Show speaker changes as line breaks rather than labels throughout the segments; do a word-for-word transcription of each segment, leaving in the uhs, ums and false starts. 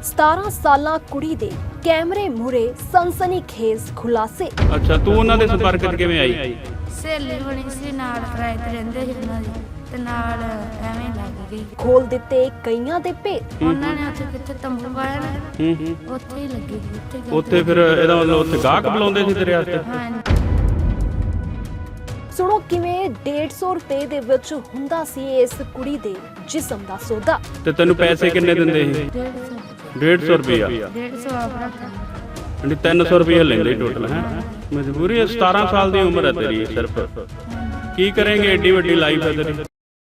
ਸਤਾਰਾਂ ਸਾਲਾਂ ਕੁੜੀ ਦੇ ਕੈਮਰੇ ਮੂਹਰੇ ਸਨਸਨੀਖੇਜ਼ ਖੁਲਾਸੇ।
ਅੱਛਾ, ਤੂੰ ਉਹਨਾਂ ਦੇ ਸੰਪਰਕ 'ਚ ਕਿਵੇਂ ਆਈ?
ਸਹੇਲੀ ਬਣੀ ਸੀ, ਨਾਲ ਕਿਰਾਏ ਤੇ ਰਹਿੰਦੇ ਸੀ ਉਹਨਾਂ ਦੀ, ਤੇ ਨਾਲ ਐਵੇਂ ਲੱਗ ਗਈ।
ਖੋਲ ਦਿੱਤੇ ਕਈਆਂ ਦੇ ਭੇਤ।
ਉਹਨਾਂ ਨੇ ਉੱਥੇ ਕਿੱਥੇ ਤੰਬੂ ਪਾਇਆ ਨਾ,
ਹੂੰ ਹੂੰ
ਉੱਥੇ ਹੀ ਲੱਗੀ ਸੀ। ਉੱਥੇ ਗਲਤ
ਉੱਥੇ ਫਿਰ ਇਹਦਾ ਮਤਲਬ ਉੱਥੇ ਗਾਹਕ ਬੁਲਾਉਂਦੇ ਸੀ ਤੇਰੇ ਵਾਸਤੇ?
ਹਾਂਜੀ।
ਸੁਣੋ ਕਿਵੇਂ ਡੇਢ ਸੌ ਰੁਪਏ ਦੇ ਵਿੱਚ ਹੁੰਦਾ ਸੀ ਇਸ ਕੁੜੀ ਦੇ ਜਿਸਮ ਦਾ ਸੌਦਾ।
ਤੇ ਤੈਨੂੰ ਪੈਸੇ ਕਿੰਨੇ ਦਿੰਦੇ ਸੀ?
ਡੇਢ ਸੌ
ਡੇਢ ਸੌ ਰੁਪਇਆ।
ਡੇਢ ਸੌ ਆਪ ਰੱਖ
ਯਾਨੀ ਤਿੰਨ ਸੌ ਰੁਪਇਆ ਲੈਂਦੇ ਟੋਟਲ ਹੈ। ਮਜਬੂਰੀ ਹੈ, ਸਤਾਰਾਂ ਸਾਲ ਦੀ ਉਮਰ ਹੈ ਤੇਰੀ ਸਿਰਫ। ਕੀ ਕਰਾਂਗੇ, ਏਡੀ ਵੱਡੀ ਲਾਈਫ ਹੈ ਤੇਰੀ।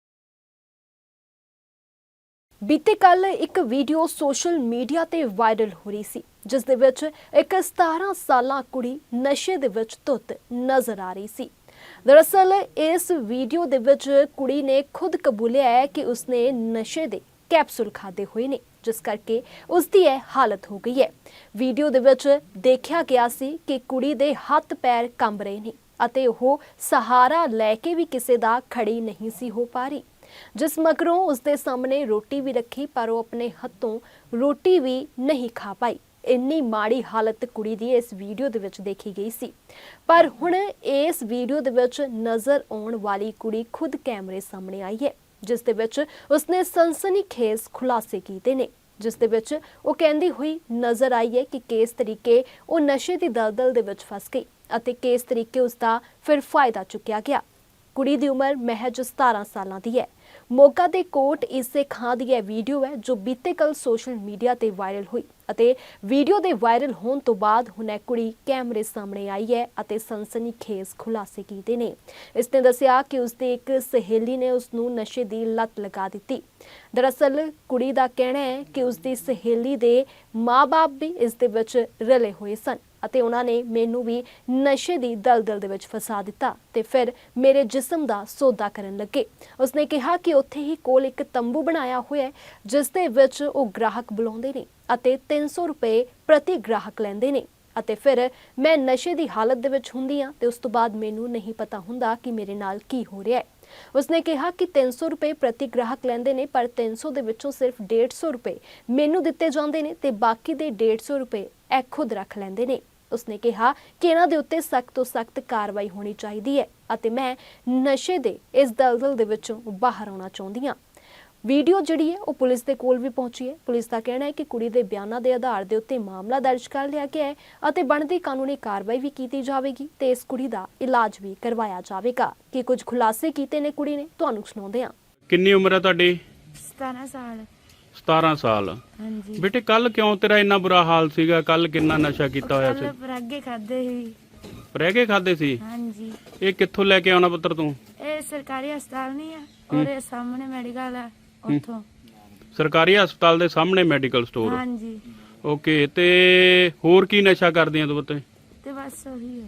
ਬੀਤੇ ਕੱਲ ਇੱਕ ਵੀਡੀਓ ਸੋਸ਼ਲ ਮੀਡੀਆ ਤੇ ਵਾਇਰਲ ਹੋ ਰਹੀ ਸੀ, ਜਿਸ ਦੇ ਵਿੱਚ ਇੱਕ ਸਤਾਰਾਂ ਸਾਲਾਂ ਕੁੜੀ ਨਸ਼ੇ ਦੇ ਵਿੱਚ ਧੁੱਤ ਨਜ਼ਰ ਆ ਰਹੀ ਸੀ। ਦਰਅਸਲ ਇਸ ਵੀਡੀਓ ਦੇ ਵਿੱਚ ਕੁੜੀ ਨੇ ਖੁਦ ਕਬੂਲਿਆ ਹੈ ਕਿ ਉਸਨੇ ਨਸ਼ੇ ਦੇ ਕੈਪਸੂਲ ਖਾਦੇ ਹੋਏ ਨੇ, ਜਿਸ ਕਰਕੇ ਉਸ ਦੀ ਇਹ ਹਾਲਤ ਹੋ ਗਈ ਹੈ। ਵੀਡੀਓ ਦੇ ਵਿੱਚ ਦੇਖਿਆ ਗਿਆ ਸੀ ਕਿ ਕੁੜੀ ਦੇ ਹੱਥ ਪੈਰ ਕੰਬ ਰਹੇ ਨੇ ਅਤੇ ਉਹ ਸਹਾਰਾ ਲੈ ਕੇ ਵੀ ਕਿਸੇ ਦਾ ਖੜੀ ਨਹੀਂ ਸੀ ਹੋ ਪਾ ਰਹੀ, ਜਿਸ ਮਗਰੋਂ ਉਸਦੇ ਸਾਹਮਣੇ ਰੋਟੀ ਵੀ ਰੱਖੀ ਪਰ ਉਹ ਆਪਣੇ ਹੱਥੋਂ ਰੋਟੀ ਵੀ ਨਹੀਂ ਖਾ ਪਾਈ। ਇੰਨੀ ਮਾੜੀ ਹਾਲਤ ਕੁੜੀ ਦੀ ਇਸ ਵੀਡੀਓ ਦੇ ਵਿੱਚ ਦੇਖੀ ਗਈ ਸੀ। ਪਰ ਹੁਣ ਇਸ ਵੀਡੀਓ ਦੇ ਵਿੱਚ ਨਜ਼ਰ ਆਉਣ ਵਾਲੀ ਕੁੜੀ ਖੁਦ ਕੈਮਰੇ ਸਾਹਮਣੇ ਆਈ ਹੈ, ਜਿਸ ਦੇ ਵਿੱਚ ਉਸਨੇ ਸਨਸਨੀਖੇਜ਼ ਖੁਲਾਸੇ ਕੀਤੇ ਨੇ, ਜਿਸ ਦੇ ਵਿੱਚ ਉਹ ਕਹਿੰਦੀ ਹੋਈ ਨਜ਼ਰ ਆਈ ਹੈ ਕਿ ਕਿਸ ਤਰੀਕੇ ਉਹ ਨਸ਼ੇ ਦੀ ਦਲਦਲ ਦੇ ਵਿੱਚ ਫਸ ਗਈ ਅਤੇ ਕਿਸ ਤਰੀਕੇ ਉਸਦਾ ਫਿਰ ਫਾਇਦਾ ਚੁੱਕਿਆ ਗਿਆ। ਕੁੜੀ ਦੀ ਉਮਰ ਮਹਿਜ ਸਤਾਰਾਂ ਸਾਲਾਂ ਦੀ ਹੈ। ਮੋਗਾ ਦੇ ਕੋਟ ਇਸੇ ਖਾਂ ਦੀ ਇਹ ਵੀਡੀਓ ਹੈ ਜੋ ਬੀਤੇ ਕੱਲ ਸੋਸ਼ਲ ਮੀਡੀਆ ਤੇ ਵਾਇਰਲ ਹੋਈ ਅਤੇ ਵੀਡੀਓ ਦੇ ਵਾਇਰਲ ਹੋਣ ਤੋਂ ਬਾਅਦ ਹੁਣ ਇਹ ਕੁੜੀ ਕੈਮਰੇ ਸਾਹਮਣੇ ਆਈ ਹੈ ਅਤੇ ਸਨਸਨੀਖੇਜ਼ ਖੁਲਾਸੇ ਕੀਤੇ ਨੇ। ਇਸ ਨੇ ਦੱਸਿਆ ਕਿ ਉਸਦੀ ਇੱਕ ਸਹੇਲੀ ਨੇ ਉਸ ਨੂੰ ਨਸ਼ੇ ਦੀ ਲੱਤ ਲਗਾ ਦਿੱਤੀ। ਦਰਅਸਲ ਕੁੜੀ ਦਾ ਕਹਿਣਾ ਹੈ ਕਿ ਉਸਦੀ ਸਹੇਲੀ ਦੇ ਮਾਂ-ਬਾਪ ਵੀ ਇਸ ਦੇ ਵਿੱਚ ਰਲੇ ਹੋਏ ਸਨ ਅਤੇ ਉਹਨਾਂ ਨੇ ਮੈਨੂੰ ਵੀ ਨਸ਼ੇ ਦੀ ਦਲਦਲ ਦੇ ਵਿੱਚ ਫਸਾ ਦਿੱਤਾ ਤੇ ਫਿਰ ਮੇਰੇ ਜਿਸਮ ਦਾ ਸੌਦਾ ਕਰਨ ਲੱਗੇ। ਉਸਨੇ ਕਿਹਾ ਕਿ ਉੱਥੇ ਹੀ ਕੋਲ ਇੱਕ ਤੰਬੂ ਬਣਾਇਆ ਹੋਇਆ ਹੈ, ਜਿਸ ਦੇ ਵਿੱਚ ਉਹ ਗ੍ਰਾਹਕ ਬੁਲਾਉਂਦੇ ਨੇ ਅਤੇ ਤਿੰਨ ਸੌ ਰੁਪਏ ਪ੍ਰਤੀ ਗ੍ਰਾਹਕ ਲੈਂਦੇ ਨੇ ਅਤੇ ਫਿਰ ਮੈਂ ਨਸ਼ੇ ਦੀ ਹਾਲਤ ਦੇ ਵਿੱਚ ਹੁੰਦੀ ਹਾਂ ਤੇ ਉਸ ਤੋਂ ਬਾਅਦ ਮੈਨੂੰ ਨਹੀਂ ਪਤਾ ਹੁੰਦਾ ਕਿ ਮੇਰੇ ਨਾਲ ਕੀ ਹੋ ਰਿਹਾ ਹੈ। ਉਸਨੇ ਕਿਹਾ ਕਿ ਤਿੰਨ ਸੌ ਰੁਪਏ ਪ੍ਰਤੀ ਗ੍ਰਾਹਕ ਲੈਂਦੇ ਨੇ, ਪਰ ਤਿੰਨ ਸੌ ਦੇ ਵਿੱਚੋਂ ਸਿਰਫ ਡੇਢ ਸੌ ਰੁਪਏ ਮੈਨੂੰ ਦਿੱਤੇ ਜਾਂਦੇ ਨੇ ਤੇ ਬਾਕੀ ਦੇ ਡੇਢ ਸੌ ਰੁਪਏ ਇਹ ਖੁਦ ਰੱਖ ਲੈਂਦੇ ਨੇ। ਉਸਨੇ ਕਿਹਾ ਕਿ ਇਹਨਾਂ ਦੇ ਉੱਤੇ ਸਖਤ ਤੋਂ ਸਖਤ ਕਾਰਵਾਈ ਹੋਣੀ ਚਾਹੀਦੀ ਹੈ ਅਤੇ ਮੈਂ ਨਸ਼ੇ ਦੇ ਇਸ ਦਲਦਲ ਦੇ ਵਿੱਚੋਂ ਬਾਹਰ ਆਉਣਾ ਚਾਹੁੰਦੀ ਹਾਂ। ਵੀਡੀਓ ਜਿਹੜੀ ਹੈ ਉਹ ਪੁਲਿਸ ਦੇ ਕੋਲ ਵੀ ਪਹੁੰਚੀ ਹੈ। ਪੁਲਿਸ ਦਾ ਕਹਿਣਾ ਹੈ ਕਿ ਕੁੜੀ ਦੇ ਬਿਆਨਾਂ ਦੇ ਆਧਾਰ ਦੇ ਉੱਤੇ ਮਾਮਲਾ ਦਰਜ ਕਰ ਲਿਆ ਗਿਆ ਹੈ ਅਤੇ ਬਣਦੀ ਕਾਨੂੰਨੀ ਕਾਰਵਾਈ ਵੀ ਕੀਤੀ ਜਾਵੇਗੀ ਤੇ ਇਸ ਕੁੜੀ ਦਾ ਇਲਾਜ ਵੀ ਕਰਵਾਇਆ ਜਾਵੇਗਾ। ਕਿ ਕੁਝ ਖੁਲਾਸੇ ਕੀਤੇ ਨੇ ਕੁੜੀ ਨੇ, ਤੁਹਾਨੂੰ ਸੁਣਾਉਂਦੇ ਹਾਂ।
ਕਿੰਨੀ ਉਮਰ ਹੈ ਤੁਹਾਡੀ?
ਸਤਾਰਾਂ ਸਾਲ।
ਸਤਾਰਾਂ ਸਾਲ।
ਹਾਂਜੀ।
ਬੇਟੇ ਕੱਲ ਕਿਉਂ ਤੇਰਾ ਇੰਨਾ ਬੁਰਾ ਹਾਲ ਸੀਗਾ? ਕੱਲ ਕਿੰਨਾ ਨਸ਼ਾ ਕੀਤਾ ਹੋਇਆ ਸੀ?
ਕੱਲ ਪਰਾਗੇ ਖਾਦੇ ਸੀ।
ਰਹਿ ਖਾਦੇ ਸੀ?
ਹਾਂਜੀ।
ਇਹ ਕਿੱਥੋਂ ਲੈ ਕੇ ਆਉਣਾ ਪੁੱਤਰ ਤੂੰ?
ਇਹ ਸਰਕਾਰੀ ਹਸਪਤਾਲ ਨਹੀਂ ਆ, ਉਹਦੇ ਸਾਹਮਣੇ ਮੈਡੀਕਲ ਆ, ਉੱਥੋਂ।
ਸਰਕਾਰੀ ਹਸਪਤਾਲ ਦੇ ਸਾਹਮਣੇ ਮੈਡੀਕਲ ਸਟੋਰ?
ਹਾਂਜੀ।
ਓਕੇ, ਤੇ ਹੋਰ ਕੀ ਨਸ਼ਾ ਕਰਦੀਆਂ ਤੂੰ ਪੁੱਤ?
ਤੇ ਬਸ ਉਹੀ ਹੈ।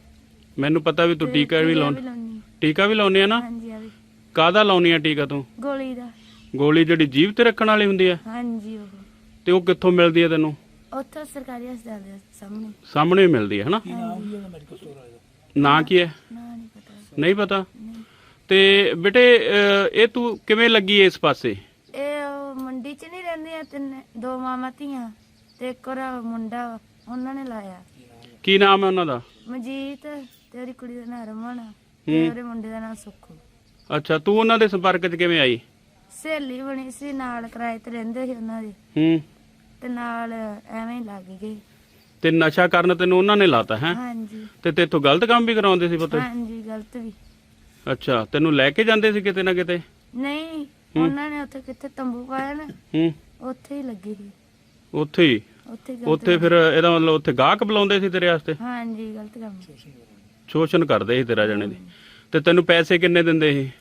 ਮੈਨੂੰ ਪਤਾ ਵੀ ਤੂੰ
ਤੇ
ਟੀਕਾ ਵੀ ਲਾਉਂ
ਲਾਉਣੀ।
ਟੀਕਾ ਵੀ ਲਾਉਣੀ ਆ ਨਾ?
ਹਾਂਜੀ। ਆ ਵੀ
ਕਾਹਦਾ ਲਾਉਣੀ ਆ ਟੀਕਾ ਤੂੰ?
ਗੋਲੀ ਦਾ।
ਗੋਲੀ ਜਿਹੜੀ ਜੀਭ ਤੇ ਰੱਖਣ ਵਾਲੀ ਹੁੰਦੀ ਆ?
ਹਾਂਜੀ। ਉਹ
ਤੇ ਉਹ ਕਿੱਥੋਂ ਮਿਲਦੀ ਆ ਤੈਨੂੰ?
ਉੱਥੋਂ ਸਰਕਾਰੀ ਹਸਪਤਾਲ ਦੇ ਸਾਹਮਣੇ।
ਸਾਹਮਣੇ ਹੀ ਮਿਲਦੀ ਹੈ ਹਨਾ? ਨਾਂ ਕੀ ਹੈ?
ਨਾ ਨਹੀਂ ਪਤਾ।
ਨਹੀਂ ਪਤਾ?
ਨਹੀਂ।
ਤੇ ਬੇਟੇ ਇਹ ਤੂੰ ਕਿਵੇਂ ਲੱਗੀ ਇਸ ਪਾਸੇ?
ਇਹ ਉਹ ਮੰਡੀ 'ਚ ਨਹੀਂ ਰਹਿੰਦੀਆਂ ਤਿੰਨ, ਦੋ ਮਾਮਾ ਧੀਆਂ ਤੇ ਇੱਕ ਉਹਦਾ ਮੁੰਡਾ, ਉਹਨਾਂ ਨੇ ਲਾਇਆ।
ਕੀ ਨਾਮ ਹੈ ਉਹਨਾਂ ਦਾ?
ਮਜੀਤ ਤੇ ਉਹਦੀ ਕੁੜੀ ਦਾ ਨਾਂ ਰਮਨ ਤੇ ਉਹਦੇ ਮੁੰਡੇ ਦਾ ਨਾਂ ਸੁੱਖੂ।
ਅੱਛਾ, ਤੂੰ ਉਹਨਾਂ ਦੇ ਸੰਪਰਕ 'ਚ ਕਿਵੇਂ ਆਈ?
ਸਹੇਲੀ ਬਣੀ ਸੀ, ਨਾਲ ਕਿਰਾਏ ਤੇ ਰਹਿੰਦੇ ਸੀ ਉਹਨਾਂ ਦੇ,
ਹੂੰ,
ਤੇ ਨਾਲ ਐਵੇਂ ਲੱਗ ਗਈ।
ਤੇ ਨਸ਼ਾ ਕਰਨ ਤੈਨੂੰ ਉਹਨਾਂ ਨੇ ਲਾਤਾ ਹੈ?
ਹਾਂਜੀ।
ਤੇ ਤੇਥੋਂ ਗਲਤ ਕੰਮ ਵੀ ਕਰਾਉਂਦੇ ਸੀ ਪੁੱਤ?
ਹਾਂਜੀ, ਗਲਤ ਵੀ।
ਅੱਛਾ, ਤੈਨੂੰ ਲੈ ਕੇ ਜਾਂਦੇ ਸੀ ਕਿਤੇ ਨਾ ਕਿਤੇ?
ਨਹੀਂ, ਉਹਨਾਂ ਨੇ ਉੱਥੇ ਕਿੱਥੇ ਤੰਬੂ ਪਾਇਆ ਨਾ,
ਹੂੰ,
ਉੱਥੇ ਹੀ ਲੱਗੀ ਸੀ।
ਉੱਥੇ ਹੀ?
ਉੱਥੇ ਗਲਤ
ਉੱਥੇ ਫਿਰ ਇਹਦਾ ਮਤਲਬ ਉੱਥੇ ਗਾਹਕ ਬੁਲਾਉਂਦੇ ਸੀ ਤੇਰੇ ਵਾਸਤੇ?
ਹਾਂਜੀ, ਗਲਤ ਕੰਮ।
ਸ਼ੋਸ਼ਣ ਕਰਦੇ ਸੀ ਤੇਰਾ ਜਣੇ ਦੀ। ਤੇ ਤੈਨੂੰ ਪੈਸੇ ਕਿੰਨੇ ਦਿੰਦੇ ਸੀ?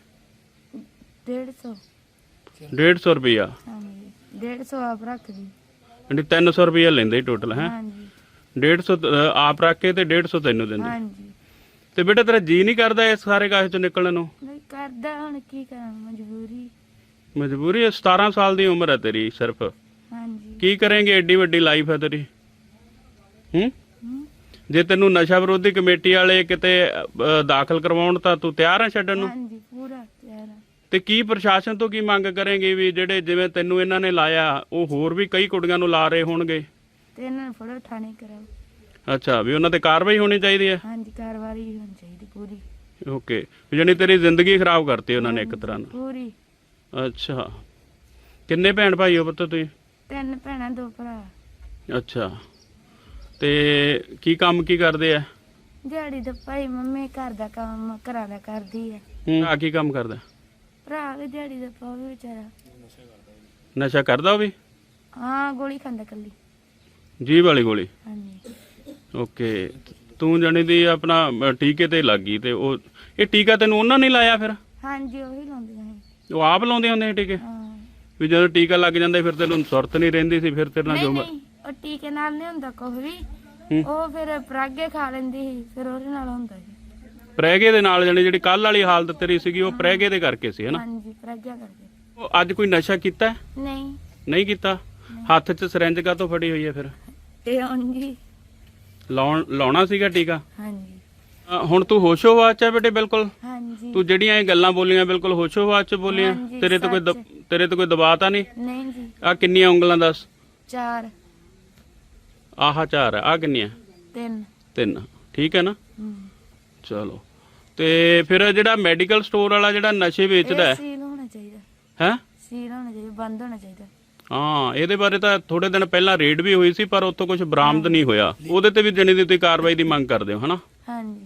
ਡੇਢ ਸੌ।
ਡੇਢ ਸੌ ਰੁਪਇਆ?
ਹਾਂਜੀ, ਡੇਢ ਸੌ ਆਪ ਰੱਖਦੀ।
ਯਾਨੀ ਤਿੰਨ ਸੌ ਰੁਪਇਆ ਲੈਂਦੇ ਟੋਟਲ ਹੈ?
ਹਾਂਜੀ।
ਡੇਢ ਸੌ ਆਪ ਰੱਖ ਕੇ ਤੇ ਡੇਢ ਸੌ ਤੈਨੂੰ ਦਿੰਦੇ?
ਹਾਂਜੀ।
ਤੇ ਬੇਟਾ ਤੇਰਾ ਜੀ ਨਹੀਂ ਕਰਦਾ ਇਸ ਸਾਰੇ ਕਾਹੇ ਚੋਂ ਨਿਕਲਣ ਨੂੰ?
ਨਹੀਂ ਕਰਦਾ, ਹੁਣ ਕੀ ਕਰਾਂ, ਮਜਬੂਰੀ।
ਮਜਬੂਰੀ ਹੈ, ਸਤਾਰਾਂ ਸਾਲ ਦੀ ਉਮਰ ਹੈ ਤੇਰੀ ਸਿਰਫ।
ਹਾਂਜੀ।
ਕੀ ਕਰਾਂਗੇ, ਏਡੀ ਵੱਡੀ ਲਾਈਫ ਹੈ ਤੇਰੀ। ਹੂੰ, ਜੇ ਤੈਨੂੰ ਨਸ਼ਾ ਵਿਰੋਧੀ ਕਮੇਟੀ ਵਾਲੇ ਕਿਤੇ ਦਾਖਲ ਕਰਵਾਉਣ ਤਾਂ ਤੂੰ ਤਿਆਰ ਹੈ ਛੱਡਣ ਨੂੰ?
ਹਾਂਜੀ, ਪੂਰਾ ਤਿਆਰ ਆ।
ਤੇ ਕੀ ਪ੍ਰਸ਼ਾਸਨ ਤੋਂ ਕੀ ਮੰਗ ਕਰੇਂਗੇ ਵੀ ਜਿਹੜੇ ਜਿਵੇਂ ਤੈਨੂੰ ਇਹਨਾਂ ਨੇ ਲਾਇਆ ਉਹ ਹੋਰ ਵੀ ਕਈ ਕੁੜੀਆਂ ਨੂੰ ਲਾ ਰਹੇ ਹੋਣਗੇ?
ਤੇ ਇਹਨਾਂ ਨੂੰ ਫੜੋ ਥਾਣੇ ਕਰਾਓ।
ਅੱਛਾ, ਵੀ ਉਹਨਾਂ ਤੇ ਕਾਰਵਾਈ ਹੋਣੀ ਚਾਹੀਦੀ ਹੈ।
ਹਾਂਜੀ ਕਾਰਵਾਈ ਹੋਣੀ ਚਾਹੀਦੀ ਪੂਰੀ।
ਓਕੇ, ਜਾਣੀ ਤੇਰੀ ਜ਼ਿੰਦਗੀ ਖਰਾਬ ਕਰਤੀ ਉਹਨਾਂ ਨੇ ਇੱਕ ਤਰ੍ਹਾਂ ਨਾਲ।
ਪੂਰੀ।
ਅੱਛਾ, ਕਿੰਨੇ ਭੈਣ ਭਾਈ ਹੋ ਪੁੱਤ ਤੁਸੀਂ?
ਤਿੰਨ ਭੈਣਾਂ ਦੋ ਭਰਾ।
ਅੱਛਾ, ਤੇ ਕੀ ਕੰਮ ਕੀ ਕਰਦੇ ਆ?
ਦਿਹਾੜੀ ਦਾ ਭਾਈ ਮੰਮੀ ਘਰ ਦਾ ਕੰਮ ਘਰਾਂ ਦਾ ਕਰਦੀ ਹੈ।
ਆ ਕੀ ਕੰਮ ਕਰਦਾ?
ਭਰਾ ਵੀ ਦਿਹਾੜੀ ਦਾ ਪਾਉ ਵੀ ਵਿਚਾਰਾ
ਨਸ਼ਾ ਕਰਦਾ ਉਹ ਵੀ?
ਹਾਂ ਗੋਲੀ ਖਾਂਦਾ ਕੱਲੀ।
ਜੀਭ ਵਾਲੀ ਗੋਲੀ?
ਹਾਂਜੀ।
ਓਕੇ, ਤੂੰ ਜਾਣੀ ਦੀ ਆਪਣਾ ਅ, ਟੀਕੇ ਤੇ ਲੱਗ ਗਈ ਤੇ ਉਹ ਇਹ ਟੀਕਾ ਤੈਨੂੰ ਉਹਨਾਂ ਨੇ ਲਾਇਆ ਫਿਰ?
ਹਾਂਜੀ ਉਹੀ ਲਾਉਂਦੀਆਂ ਸੀ।
ਉਹ ਆਪ ਲਾਉਂਦੇ ਹੁੰਦੇ ਸੀ ਟੀਕੇ?
ਹਾਂ।
ਵੀ ਜਦੋਂ ਟੀਕਾ ਲੱਗ ਜਾਂਦਾ ਫਿਰ ਤੈਨੂੰ ਸੁਰਤ ਨਹੀਂ ਰਹਿੰਦੀ ਸੀ, ਫਿਰ ਤੇਰੇ ਨਾਲ
ਨਹੀਂ
ਜੋ
ਨਹੀਂ ਉਹ ਟੀਕੇ ਨਾਲ ਨਹੀਂ ਹੁੰਦਾ ਕੁਝ ਵੀ।
ਹੂੰ।
ਉਹ ਫਿਰ ਪਰਾਗੇ ਖਾ ਲੈਂਦੀ ਸੀ ਫਿਰ ਉਹਦੇ ਨਾਲ ਹੁੰਦਾ ਸੀ।
ਪ੍ਰੈਗੇ ਦੇ ਨਾਲ ਜਾਣੀ ਜਿਹੜੀ ਕੱਲ ਵਾਲੀ ਹਾਲਤ ਤੇਰੀ ਸੀਗੀ ਉਹ ਪ੍ਰੈਗੇ ਦੇ ਕਰਕੇ ਸੀ ਹਨਾ?
ਹਾਂਜੀ ਪਰਾਗਿਆ ਕਰਕੇ।
ਉਹ ਅੱਜ ਕੋਈ ਨਸ਼ਾ ਕੀਤਾ?
ਨਹੀਂ
ਨਹੀਂ ਕੀਤਾ। ਹੱਥ 'ਚ ਸਿਰੰਜ ਕਾਹਤੋਂ ਫੜੀ ਹੋਈ ਹੈ ਫਿਰ?
ਤੇ ਹਾਂਜੀ।
ਲਾਉਣ ਲਾਉਣਾ ਸੀਗਾ ਟੀਕਾ?
ਹਾਂਜੀ
ਅ, ਹੁਣ ਤੂੰ ਹੋਸ਼ੋ-ਹਵਾਸ 'ਚ ਹੈ ਬੇਟੇ? ਬਿਲਕੁਲ।
ਹਾਂਜੀ।
ਤੂੰ ਜਿਹੜੀਆਂ ਇਹ ਗੱਲਾਂ ਬੋਲੀਆਂ ਬਿਲਕੁਲ ਹੋਸ਼ੋ-ਹਵਾਸ 'ਚ ਬੋਲੀਆਂ?
ਹਾਂਜੀ,
ਤੇਰੇ ਤੇ ਕੋਈ ਦ-
ਸੱਚ।
ਤੇਰੇ ਤੇ ਕੋਈ ਦਬਾਅ ਤਾਂ ਨਹੀਂ?
ਨਹੀਂ ਜੀ।
ਆ ਕਿੰਨੀਆਂ ਉਂਗਲਾਂ ਦੱਸ?
ਚਾਰ।
ਆਹ ਚਾਰ ਆ ਕਿੰਨੀਆਂ?
ਤਿੰਨ।
ਤਿੰਨ। ਠੀਕ ਹੈ ਨਾ?
ਹੂੰ।
ਚਲੋ, ਤੇ ਫਿਰ ਜਿਹੜਾ ਮੈਡੀਕਲ ਸਟੋਰ ਵਾਲਾ ਜਿਹੜਾ ਨਸ਼ੇ ਵੇਚਦਾ
ਇਹ
ਹੈ
ਸੀਲ ਹੋਣਾ ਚਾਹੀਦਾ।
ਹੈ?
ਸੀਲ ਹੋਣਾ ਚਾਹੀਦਾ, ਬੰਦ ਹੋਣਾ ਚਾਹੀਦਾ।
ਹਾਂ, ਇਹਦੇ ਬਾਰੇ ਤਾਂ ਥੋੜੇ ਦਿਨ ਪਹਿਲਾਂ ਰੇਡ ਵੀ ਹੋਈ ਸੀ ਪਰ ਉੱਥੋਂ ਕੁਝ ਬਰਾਮਦ ਨਹੀਂ ਹੋਇਆ। ਉਹਦੇ ਤੇ ਵੀ ਜਣੀ ਦੀ ਤੁਸੀਂ ਕਾਰਵਾਈ ਦੀ ਮੰਗ ਕਰਦੇ ਹੋ ਹਨਾ?
ਹਾਂਜੀ।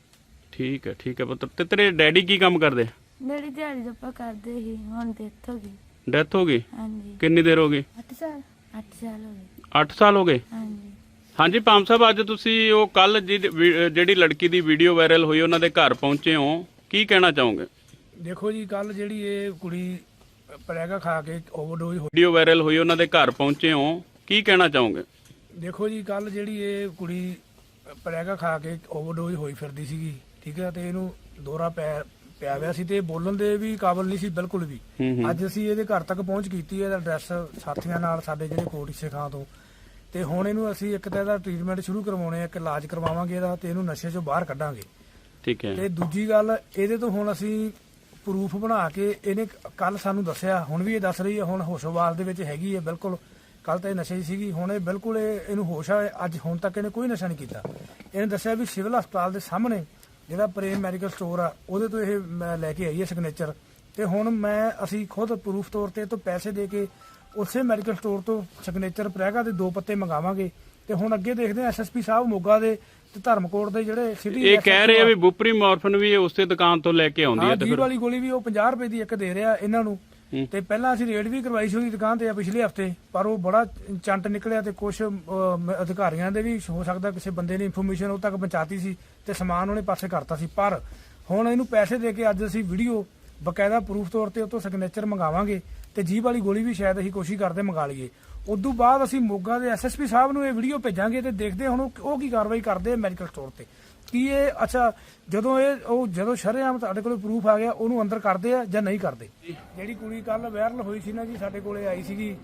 ਠੀਕ ਹੈ, ਠੀਕ ਹੈ ਪੁੱਤਰ। ਤੇ ਤੇਰੇ ਡੈਡੀ ਕੀ ਕੰਮ ਕਰਦੇ?
ਜਿਹੜੀ ਦਿਹਾੜੀ ਦਾ ਆਪਾਂ ਕਰਦੇ ਸੀ ਹੁਣ ਡੈਥ ਹੋ ਗਈ।
ਡੈਥ ਹੋ ਗਈ?
ਹਾਂਜੀ।
ਕਿੰਨੀ ਦੇਰ ਹੋ ਗਈ?
ਅੱਠ ਸਾਲ। ਅੱਠ ਸਾਲ ਹੋ ਗਏ।
ਅੱਠ ਸਾਲ ਹੋ ਗਏ?
ਹਾਂਜੀ।
ਹਾਂਜੀ ਪਾਮ ਸਾਹਿਬ, ਅੱਜ ਤੁਸੀਂ ਉਹ ਕੱਲ ਜਿਹੜੀ ਲੜਕੀ ਦੀ ਵੀਡੀਓ ਵਾਇਰਲ ਹੋਈ ਉਹਨਾਂ ਦੇ ਘਰ ਪਹੁੰਚੇ ਹੋ, ਕੀ ਕਹਿਣਾ ਚਾਹੋਗੇ?
ਦੇਖੋ ਜੀ, ਕੱਲ ਜਿਹੜੀ ਇਹ ਕੁੜੀ ਪ੍ਰੈਗਾ ਖਾ ਕੇ ਓਵਰਡੋਜ਼ ਹੋਈ।
ਵੀਡੀਓ ਵਾਇਰਲ ਹੋਈ ਉਹਨਾਂ ਦੇ ਘਰ ਪਹੁੰਚੇ ਹੋ, ਕੀ ਕਹਿਣਾ ਚਾਹੋਗੇ?
ਦੇਖੋ ਜੀ, ਕੱਲ ਜਿਹੜੀ ਇਹ ਕੁੜੀ ਪ੍ਰੈਗਾ ਖਾ ਕੇ ਓਵਰਡੋਜ਼ ਹੋਈ ਫਿਰਦੀ ਸੀਗੀ, ਠੀਕ ਹੈ, ਤੇ ਇਹਨੂੰ ਦੌਰਾ ਪੈ ਪਿਆ ਹੋਇਆ ਸੀ ਤੇ ਇਹ ਬੋਲਣ ਦੇ ਵੀ ਕਾਬਲ ਨਹੀਂ ਸੀ ਬਿਲਕੁਲ ਵੀ।
ਹੂੰ ਹੂੰ।
ਅੱਜ ਅਸੀਂ ਇਹਦੇ ਘਰ ਤੱਕ ਪਹੁੰਚ ਕੀਤੀ ਹੈ, ਇਹਦਾ ਐਡਰੈਸ ਸਾਥੀਆਂ ਨਾਲ ਸਾਡੇ ਜਿਹੜੇ ਕੋਟਿਸੇ ਖਾਂ ਤੋਂ, ਤੇ ਹੁਣ ਇਹਨੂੰ ਅਸੀਂ ਇੱਕ ਤਾਂ ਇਹਦਾ ਟ੍ਰੀਟਮੈਂਟ ਸ਼ੁਰੂ ਕਰਵਾਉਣੇ ਆ, ਇੱਕ ਇਲਾਜ ਕਰਵਾਵਾਂਗੇ ਇਹਦਾ, ਤੇ ਇਹਨੂੰ ਨਸ਼ੇ ਚੋਂ ਬਾਹਰ ਕੱਢਾਂਗੇ।
ਠੀਕ ਹੈ।
ਤੇ ਦੂਜੀ ਗੱਲ, ਇਹਦੇ ਤੋਂ ਹੁਣ ਅਸੀਂ ਪ੍ਰੂਫ ਬਣਾ ਕੇ, ਇਹਨੇ ਕੱਲ ਸਾਨੂੰ ਦੱਸਿਆ, ਹੁਣ ਵੀ ਇਹ ਦੱਸ ਰਹੀ ਹੈ, ਹੁਣ ਹੋਸ਼ੋਵਾਲ ਦੇ ਵਿੱਚ ਹੈਗੀ ਹੈ ਬਿਲਕੁਲ। ਕੱਲ ਤਾਂ ਇਹ ਨਸ਼ੇ 'ਚ ਸੀਗੀ, ਹੁਣ ਇਹ ਬਿਲਕੁਲ ਇਹ ਇਹਨੂੰ ਹੋਸ਼ ਆ। ਅੱਜ ਹੁਣ ਤੱਕ ਇਹਨੇ ਕੋਈ ਨਸ਼ਾ ਨਹੀਂ ਕੀਤਾ। ਇਹਨੇ ਦੱਸਿਆ ਵੀ ਸਿਵਲ ਹਸਪਤਾਲ ਦੇ ਸਾਹਮਣੇ ਜਿਹੜਾ ਪ੍ਰੇਮ ਮੈਡੀਕਲ ਸਟੋਰ ਆ ਉਹਦੇ ਤੋਂ ਇਹ ਮੈਂ ਲੈ ਕੇ ਆਈ ਹੈ ਸਿਗਨੇਚਰ, ਤੇ ਹੁਣ ਮੈਂ ਅਸੀਂ ਖੁਦ ਪ੍ਰੂਫ ਤੌਰ ਤੇ ਇਹ ਤੋਂ ਪੈਸੇ ਦੇ ਕੇ ਉਸੇ ਮੈਡੀਕਲ ਸਟੋਰ ਤੋਂ ਸਿਗਨੇਚਰ ਪ੍ਰੈਗਾ ਦੇ ਦੋ ਪੱਤੇ ਮੰਗਾਵਾਂਗੇ। ਤੇ ਹੁਣ ਅੱਗੇ ਦੇਖਦੇ ਆ ਐਸਐਸਪੀ ਸਾਹਿਬ ਮੋਗਾ ਦੇ ਤੇ ਧਰਮਕੋਟ ਦੇ ਜਿਹੜੇ ਸਿਟੀ
ਇਹ ਕਹਿ ਰਹੇ ਆ ਵੀ ਬੁਪਰੀ ਮੋਰਫਨ ਵੀ ਇਹ ਉਸੇ ਦੁਕਾਨ ਤੋਂ ਲੈ ਕੇ ਆਉਂਦੀ ਹੈ, ਤੇ
ਜੀਭ
ਫਿਰ
ਵਾਲੀ ਗੋਲੀ ਵੀ ਉਹ ਪੰਜਾਹ ਰੁਪਏ ਦੀ ਇੱਕ ਦੇ ਰਿਹਾ ਇਹਨਾਂ ਨੂੰ। ਤੇ ਪਹਿਲਾਂ ਅਸੀਂ ਰੇਡ ਵੀ ਕਰਵਾਈ ਸੀ ਉਹਦੀ ਦੁਕਾਨ ਤੇ ਪਿਛਲੇ ਹਫਤੇ, ਪਰ ਉਹ ਬੜਾ ਚੰਟ ਨਿਕਲਿਆ ਤੇ ਕੁਝ ਅਧਿਕਾਰੀਆਂ ਦੇ ਵੀ ਹੋ ਸਕਦਾ ਕਿਸੇ ਬੰਦੇ ਨੇ ਇਨਫੋਰਮੇਸ਼ਨ ਉਹ ਤੱਕ ਪਹੁੰਚਾਤੀ ਸੀ ਤੇ ਸਮਾਨ ਉਹਨੇ ਪਾਸੇ ਕਰਤਾ ਸੀ। ਪਰ ਹੁਣ ਇਹਨੂੰ ਪੈਸੇ ਦੇ ਕੇ ਅੱਜ ਅਸੀਂ ਵੀਡੀਓ ਬਕਾਇਦਾ ਪ੍ਰੂਫ ਤੌਰ ਤੇ ਉਹ ਤੋਂ ਸਿਗਨੇਚਰ ਮੰਗਾਵਾਂਗੇ, ਤੇ ਜੀਭ ਵਾਲੀ ਗੋਲੀ ਵੀ ਸ਼ਾਇਦ ਅਸੀਂ ਕੋਸ਼ਿਸ਼ ਕਰਦੇ ਮੰਗਾ ਲਈਏ। ਉਦੋਂ ਬਾਅਦ ਅਸੀਂ ਮੋਗਾ ਦੇ ਐਸਐਸਪੀ ਸਾਹਿਬ ਨੂੰ ਇਹ ਵੀਡੀਓ ਭੇਜਾਂਗੇ ਤੇ ਦੇਖਦੇ ਹੁਣ ਉਹ ਕੀ ਕਾਰਵਾਈ ਕਰਦੇ ਆ ਮੈਡੀਕਲ ਸਟੋਰ ਤੇ। ਕੀ ਇਹ ਅੱਛਾ ਜਦੋਂ ਇਹ ਉਹ ਜਦੋਂ ਸ਼ਰੇਆਮ ਸਾਡੇ ਕੋਲ ਪ੍ਰੂਫ ਆ ਗਿਆ ਉਹਨੂੰ ਅੰਦਰ ਕਰਦੇ ਆ ਜਾਂ ਨਹੀਂ ਕਰਦੇ? ਜਿਹੜੀ ਕੁੜੀ ਕੱਲ ਵਾਇਰਲ ਹੋਈ ਸੀ ਨਾ ਜੀ, ਸਾਡੇ ਕੋਲੇ ਆਈ ਸੀਗੀ,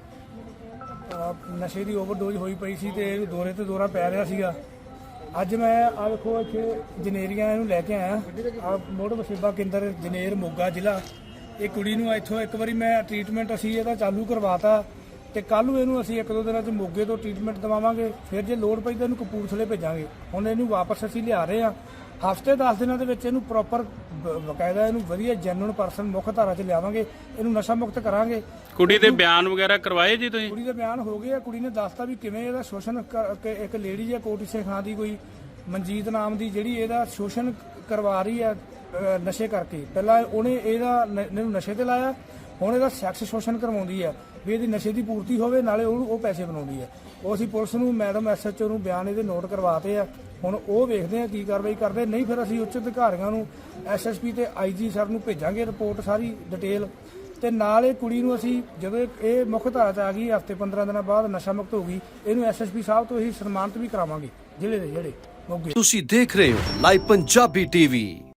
ਨਸ਼ੇ ਦੀ ਓਵਰਡੋਜ਼ ਹੋਈ ਪਈ ਸੀ ਤੇ ਇਹਨੂੰ ਦੌਰੇ ਤੇ ਦੌਰਾ ਪੈ ਰਿਹਾ ਸੀਗਾ। ਅੱਜ ਮੈਂ ਆ ਵੇਖੋ ਇੱਥੇ ਜਨੇਰੀਆਂ ਇਹਨੂੰ ਲੈ ਕੇ ਆਇਆ, ਆ ਮੋੜ ਵਸੇਬਾ ਕੇਂਦਰ ਜਨੇਰ ਮੋਗਾ ਜ਼ਿਲ੍ਹਾ। ਇਹ ਕੁੜੀ ਨੂੰ ਇੱਥੋਂ ਇੱਕ ਵਾਰੀ ਮੈਂ ਟ੍ਰੀਟਮੈਂਟ ਅਸੀਂ ਇਹਦਾ ਚਾਲੂ ਕਰਵਾਤਾ, ਤੇ ਕੱਲ ਨੂੰ ਇਹਨੂੰ ਅਸੀਂ ਇੱਕ ਦੋ ਦਿਨਾਂ 'ਚ ਮੋਗੇ ਤੋਂ ਟ੍ਰੀਟਮੈਂਟ ਦਵਾਵਾਂਗੇ, ਫਿਰ ਜੇ ਲੋੜ ਪਈ ਤਾਂ ਇਹਨੂੰ ਕਪੂਰਥਲੇ ਭੇਜਾਂਗੇ। ਹੁਣ ਇਹਨੂੰ ਵਾਪਸ ਅਸੀਂ ਲਿਆ ਰਹੇ ਹਾਂ, ਹਫ਼ਤੇ ਦਸ ਦਿਨਾਂ ਦੇ ਵਿੱਚ ਇਹਨੂੰ ਪ੍ਰੋਪਰ ਬਕਾਇਦਾ ਇਹਨੂੰ ਵਧੀਆ ਜੈਨੂਇਨ ਪਰਸਨ ਮੁੱਖ ਧਾਰਾ 'ਚ ਲਿਆਵਾਂਗੇ, ਇਹਨੂੰ ਨਸ਼ਾ ਮੁਕਤ ਕਰਾਂਗੇ।
ਕੁੜੀ ਦੇ ਬਿਆਨ ਵਗੈਰਾ ਕਰਵਾਏ ਜੀ ਤੁਸੀਂ?
ਕੁੜੀ ਦੇ ਬਿਆਨ ਹੋ ਗਏ ਆ, ਕੁੜੀ ਨੇ ਦੱਸਤਾ ਵੀ ਕਿਵੇਂ ਇਹਦਾ ਸ਼ੋਸ਼ਣ ਕਰ- ਇੱਕ ਲੇਡੀ ਹੈ ਕੋਟਿਸੇ ਖਾਂ ਦੀ, ਕੋਈ ਮਨਜੀਤ ਨਾਮ ਦੀ, ਜਿਹੜੀ ਇਹਦਾ ਸ਼ੋਸ਼ਣ ਕਰਵਾ ਰਹੀ ਹੈ ਨਸ਼ੇ ਕਰਕੇ। ਪਹਿਲਾਂ ਉਹਨੇ ਇਹਦਾ ਇਹਨੂੰ ਨਸ਼ੇ ਤੇ ਲਾਇਆ, ਹੁਣ ਇਹਦਾ ਸੈਕਸ ਸ਼ੋਸ਼ਣ ਕਰਵਾਉਂਦੀ ਹੈ ਵੀ ਇਹਦੀ ਨਸ਼ੇ ਦੀ ਪੂਰਤੀ ਹੋਵੇ, ਨਾਲੇ ਉਹਨੂੰ ਉਹ ਪੈਸੇ ਬਣਾਉਂਦੀ ਹੈ। ਉਹ ਅਸੀਂ ਪੁਲਿਸ ਨੂੰ ਮੈਡਮ ਐਸਐਚਓ ਨੂੰ ਬਿਆਨ ਇਹਦੇ ਨੋਟ ਕਰਵਾਤੇ ਆ, ਹੁਣ ਉਹ ਵੇਖਦੇ ਆ ਕੀ ਕਾਰਵਾਈ ਕਰਦੇ, ਨਹੀਂ ਫਿਰ ਅਸੀਂ ਉੱਚ ਅਧਿਕਾਰੀਆਂ ਨੂੰ ਐਸਐਸਪੀ ਤੇ ਆਈਜੀ ਸਰ ਨੂੰ ਭੇਜਾਂਗੇ ਰਿਪੋਰਟ ਸਾਰੀ ਡਿਟੇਲ। ਤੇ ਨਾਲ ਇਹ ਕੁੜੀ ਨੂੰ ਅਸੀਂ ਜਦੋਂ ਇਹ ਮੁੱਖ ਧਾਰਾ 'ਚ ਆ ਗਈ, ਹਫ਼ਤੇ ਪੰਦਰਾਂ ਦਿਨਾਂ ਬਾਅਦ ਨਸ਼ਾ ਮੁਕਤ ਹੋ ਗਈ, ਇਹਨੂੰ ਐਸਐਸਪੀ ਸਾਹਿਬ ਤੋਂ ਅਸੀਂ ਸਨਮਾਨਿਤ ਵੀ ਕਰਾਵਾਂਗੇ ਜ਼ਿਲ੍ਹੇ ਦੇ ਜਿਹੜੇ ਮੋਗੇ।
ਤੁਸੀਂ ਦੇਖ ਰਹੇ ਹੋ ਲਾਈਵ ਪੰਜਾਬੀ ਟੀਵੀ।